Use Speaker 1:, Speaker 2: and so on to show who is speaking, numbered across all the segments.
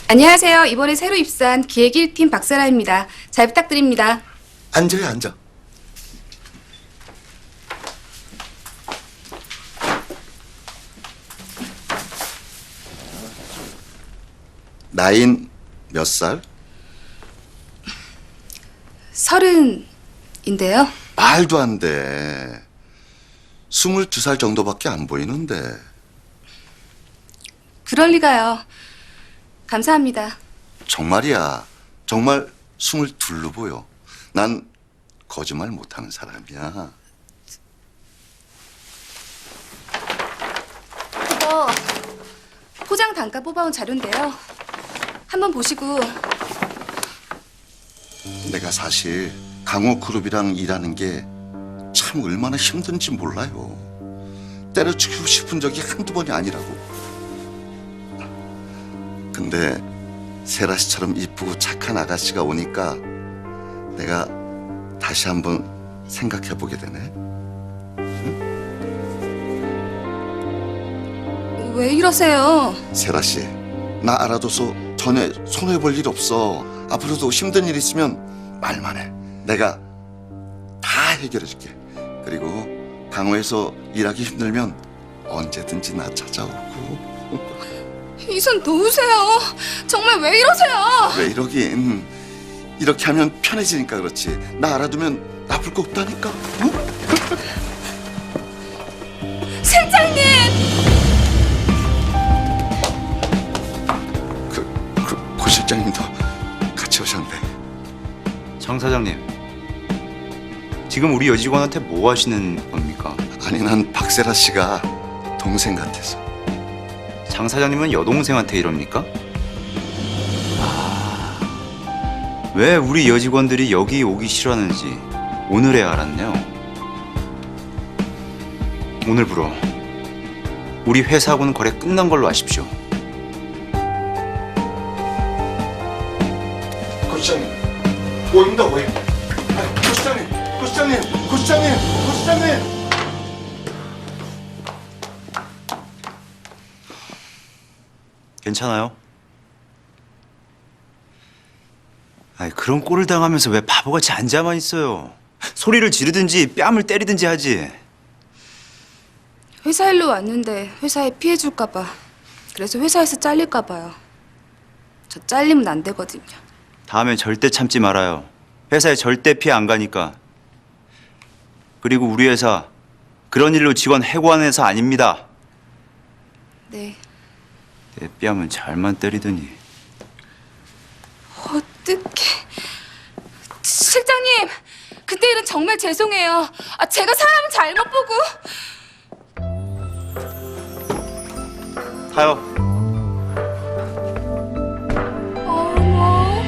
Speaker 1: 안녕하세요. 이번에 새로 입사한 기획 1팀 박세라입니다. 잘 부탁드립니다.
Speaker 2: 앉아요, 앉아. 나이는 몇 살?
Speaker 1: 30인데요.
Speaker 2: 말도 안 돼. 22살 정도밖에 안 보이는데.
Speaker 1: 그럴 리가요. 감사합니다.
Speaker 2: 정말이야. 정말 22로 보여. 난 거짓말 못하는 사람이야.
Speaker 1: 그거 포장 단가 뽑아온 자료인데요. 한번 보시고.
Speaker 2: 내가 사실 강호그룹이랑 일하는 게 참 얼마나 힘든지 몰라요. 때려치고 싶은 적이 한두 번이 아니라고. 근데 세라 씨처럼 이쁘고 착한 아가씨가 오니까 내가 다시 한번 생각해 보게 되네.
Speaker 1: 왜 이러세요?
Speaker 2: 세라 씨, 나 알아둬서 전에 손해 볼 일 없어. 앞으로도 힘든 일 있으면 말만 해. 내가 다 해결해 줄게. 그리고 강호에서 일하기 힘들면 언제든지 나 찾아오고.
Speaker 1: 이 손 놓으세요. 정말 왜 이러세요?
Speaker 2: 왜 이러긴. 이렇게 하면 편해지니까 그렇지. 나 알아두면 나쁠 거 없다니까. 응?
Speaker 1: 실장님!
Speaker 2: 고 실장님도 같이 오셨네.
Speaker 3: 장 사장님, 지금 우리 여직원한테 뭐 하시는 겁니까?
Speaker 2: 아니, 난 박세라 씨가 동생 같아서.
Speaker 3: 장 사장님은 여동생한테 이럽니까? 왜 우리 여직원들이 여기 오기 싫어하는지 오늘에 알았네요. 오늘부로 우리 회사하고는 거래 끝난 걸로 아십시오.
Speaker 2: 고 시장님, 오입니다, 오임. 고 시장님, 고 시장님, 고 시장님, 고 시장님.
Speaker 3: 괜찮아요? 아이, 그런 꼴을 당하면서 왜 바보같이 앉아만 있어요? 소리를 지르든지 뺨을 때리든지 하지.
Speaker 1: 회사 일로 왔는데 회사에 피해 줄까 봐. 그래서 회사에서 잘릴까 봐요. 저 잘리면 안 되거든요.
Speaker 3: 다음엔 절대 참지 말아요. 회사에 절대 피해 안 가니까. 그리고 우리 회사 그런 일로 직원 해고하는 회사 아닙니다.
Speaker 1: 네.
Speaker 3: 내 뺨은 잘만 때리더니.
Speaker 1: 어떡해. 실장님, 그때 일은 정말 죄송해요. 제가 사람을 잘못 보고.
Speaker 3: 타요.
Speaker 1: 어머.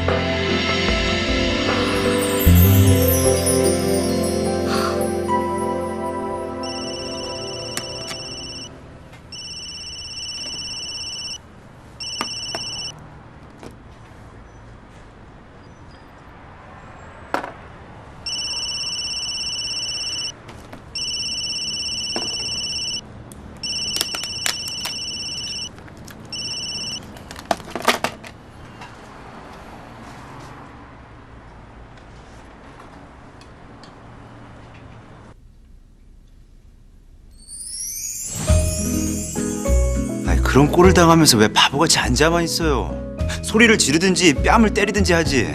Speaker 3: 아이, 그런 꼴을 당하면서 왜 바보같이 앉아만 있어요? 소리를 지르든지 뺨을 때리든지 하지.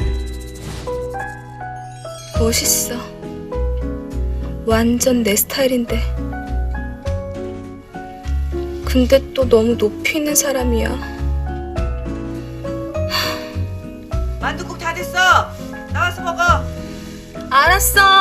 Speaker 1: 멋있어. 완전 내 스타일인데. 근데 또 너무 높이 있는 사람이야.
Speaker 4: 만두국 다 됐어. 나와서 먹어.
Speaker 1: 알았어.